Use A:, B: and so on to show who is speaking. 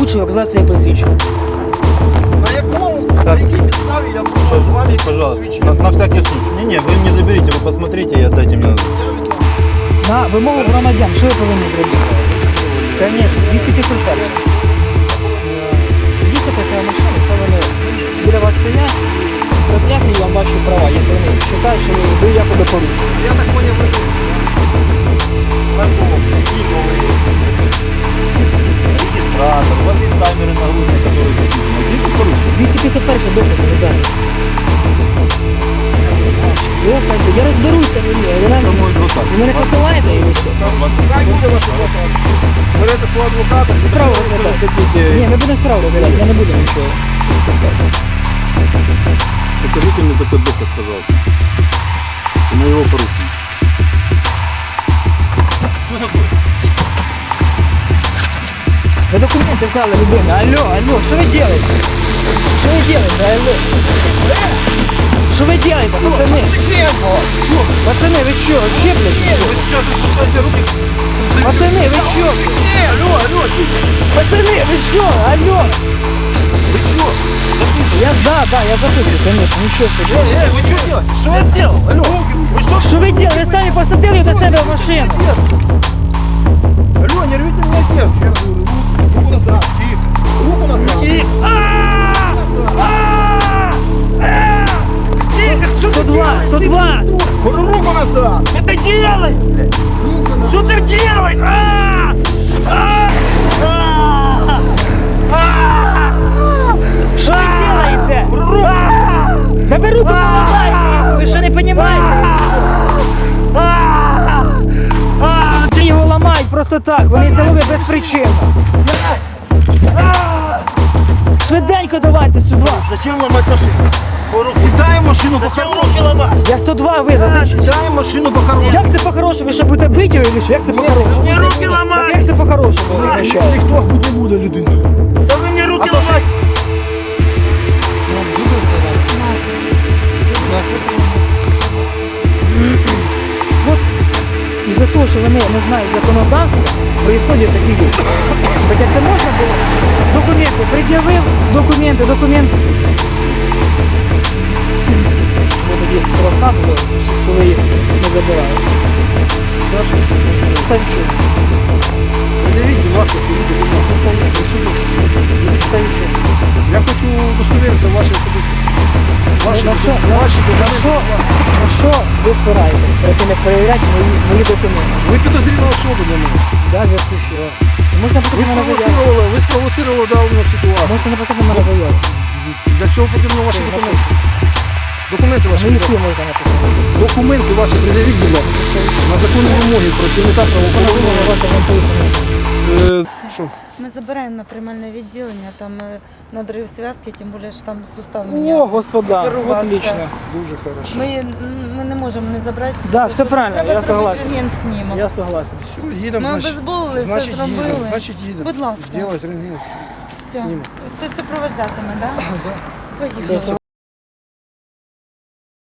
A: порушив, оказав своє посвідчення.
B: На якому, на якій підставі я буду вам якісь
C: Пожалуйста,
B: посвідчення?
C: на всякий случай. Не, вы не заберите, вы посмотрите и отдайте мне назад.
A: На вимогу громадян, що ви повинні зробити? Звісно, 251. Їздите себе машину, коли вони біля вас стоять, роз'яснюють вам ваші права, якщо вони вважають, що ви якоби порушили.
B: Я так поняв, ви десь разом спільно ви.
C: Регистратор, у вас есть камеры нагрудные, которые записаны. Где ты порушил?
A: 251 докази, ребята. Докази, я розберуся в ній.
C: Это мой адвокат.
A: Ви мене посилаєте і що?
B: Хай буде ваш адвокат. Берете свого адвоката.
A: Право
C: Если вы
A: розглядати.
C: хотите,
A: Ні, ми будемо справу розглядати, ми не будемо нічого писати.
C: покажите мне такой доказ, пожалуйста. Моего поручения. Что такое?
A: Ви документи вклали людину. Алло, алло, що ви робите? Що ви робите, алло? Що ви робите, пацани? Пацани, ви що, вообще, блядь, чи що?
B: Ви зараз розпускаєте руки.
A: Пацани, ви що?
B: Алло.
A: Пацани, ви що, алло?
B: Ви що?
A: Да, я записываю, конечно, ничего себе.
B: Ви що робите? Що я зробив? Алло. Ви що?
A: Что вы делаете? Вы сами посадили до себя в машину.
B: Алло, не рвите меня одежду. Руку назад. Тихо. Руку назад. Тихо.
A: 102.
B: Руку назад.
A: Что ты делаешь, блядь? Что ты делаешь? Что вы делаете? Да вы руку помогайте! Вы что не понимаете? Ти його ламають просто так, вони це роблять без причини. Швиденько давайте сюди.
B: Зачем ломать машину? Сідаємо в машину по-хорошому.
A: Я 102 визов.
B: Сідаємо в машину по-хорошому.
A: Як це по-хорошому? Ви що будете бити його чи що? Як це по-хорошому?
B: Мені руки ламають.
A: Як це по-хорошому? Не означає.
B: Ніхто не буде людина. Та ви мені руки ламають.
A: Вот із-за того, що вони не знають законодавства, происходять такі речі. Хоча це можна було. Документи пред'явив, документи. Ви тоді розказували, що ви їх не забирали. Ставіть що?
B: Подивіть, будь ласка, свої документи.
A: Ставіть що? Ставіть що?
B: Я хочу удостоверитися в вашій особистості. Ваші
A: На що,
B: ваші
A: на
B: документи.
A: що, на що ви спираєтесь перед тим, як перевіряти мої документи?
B: Ви підозріла особа для мене.
A: Да, зв'язку з чого? Можна написати на мене заяву.
B: Ви спровоцировали дану ситуацію.
A: Можна написати на мене заяву.
B: Для цього потрібно ваші документи. Документи
A: За
B: ваші.
A: мої
B: будь
A: слів
B: ласка.
A: можна написати.
B: Документи ваші пред'явіть, будь ласка. На законні вимоги працівника правоохоронного.
A: Ваша поліція.
B: Що?
D: Мы забираем на приймальне відділення, там надрыв связки, тем более, что там сустав
A: О,
D: меня.
A: господа,
D: Первого
A: отлично.
B: Дуже хорошо.
D: Мы не можем не забрати.
A: Да, все правильно,
D: Треба
A: я
D: зробити
A: согласен.
D: рентген-снімок.
A: Я согласен.
B: Все, їдемо,
D: Ми
B: значить.
D: обезболили, все
B: Значить,
D: зробили.
B: їдемо. Значить, їдемо.
D: Будь ласка.
B: Делать рентген.
D: Все.
B: Снімок.
D: Хтось супровождатиме, так? Да?
A: Все,